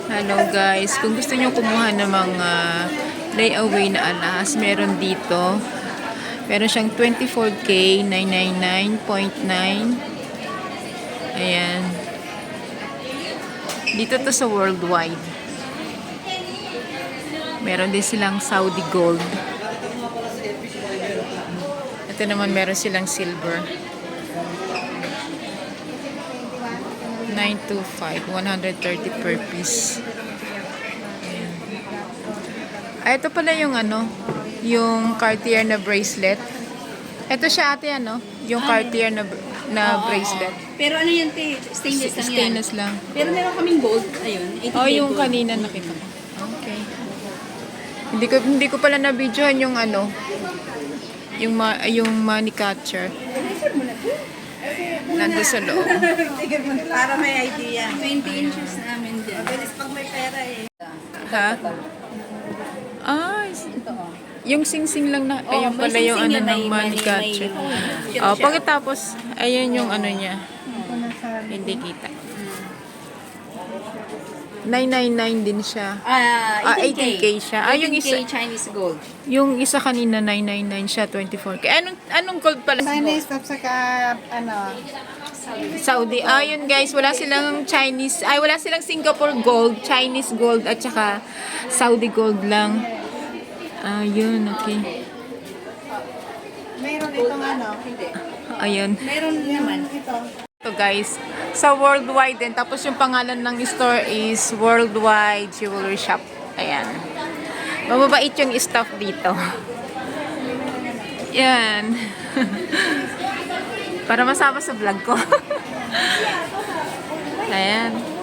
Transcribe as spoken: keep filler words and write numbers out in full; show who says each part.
Speaker 1: Hello guys, kung gusto nyo kumuha ng mga layaway na alas, meron dito. Meron siyang twenty-four K, nine ninety-nine point nine. Ayan. Dito to sa worldwide. Meron din silang Saudi gold. Ito naman meron silang silver. nine twenty-five, one thirty per piece. Ayan. Ah, ito pala yung ano, yung Cartier na bracelet. Ito siya ate ano, yung Cartier na na
Speaker 2: Oo,
Speaker 1: bracelet.
Speaker 2: oo. Pero ano yan, te? Stainless lang yan.
Speaker 1: Stainless lang.
Speaker 2: Pero meron kaming gold. Ayun.
Speaker 1: Oh, yung
Speaker 2: gold.
Speaker 1: kanina nakita ko. Okay. Hindi ko hindi ko pala na-videohan yung ano, yung ma, yung money catcher. Nandun sa loob.
Speaker 3: Para may idea.
Speaker 2: twenty inches namin dyan.
Speaker 3: Mabilis pag may pera eh.
Speaker 1: Ha? Ah, yung sing-sing lang na, ayun
Speaker 2: may
Speaker 1: pala yung
Speaker 2: sing-sing
Speaker 1: ano
Speaker 2: yan,
Speaker 1: ng
Speaker 2: may-
Speaker 1: money
Speaker 2: may-
Speaker 1: catcher.
Speaker 2: may-
Speaker 1: Oh, pagkatapos, ayun yung ano niya. Hindi kita. nine ninety-nine din siya.
Speaker 2: Ah,
Speaker 1: Ah,
Speaker 2: eighteen K.
Speaker 1: eighteen K siya. Ah, yung isa-
Speaker 2: Chinese gold.
Speaker 1: Yung isa kanina nine ninety-nine siya, twenty-four K. Anong anong gold pala?
Speaker 3: Chinese tapos saka ano,
Speaker 1: Saudi. Ah, yun guys, wala silang Chinese, ay wala silang Singapore gold, Chinese gold at saka Saudi gold lang. Ah, yun, okay.
Speaker 3: mayroon itong ano, hindi.
Speaker 1: Ayun.
Speaker 2: Meron naman.
Speaker 3: Ito.
Speaker 1: Ito guys, sa worldwide din. Tapos yung pangalan ng store is Worldwide Jewelry Shop. Ayan. Mababait yung staff dito. Yan. Para masama sa vlog ko. Ayan.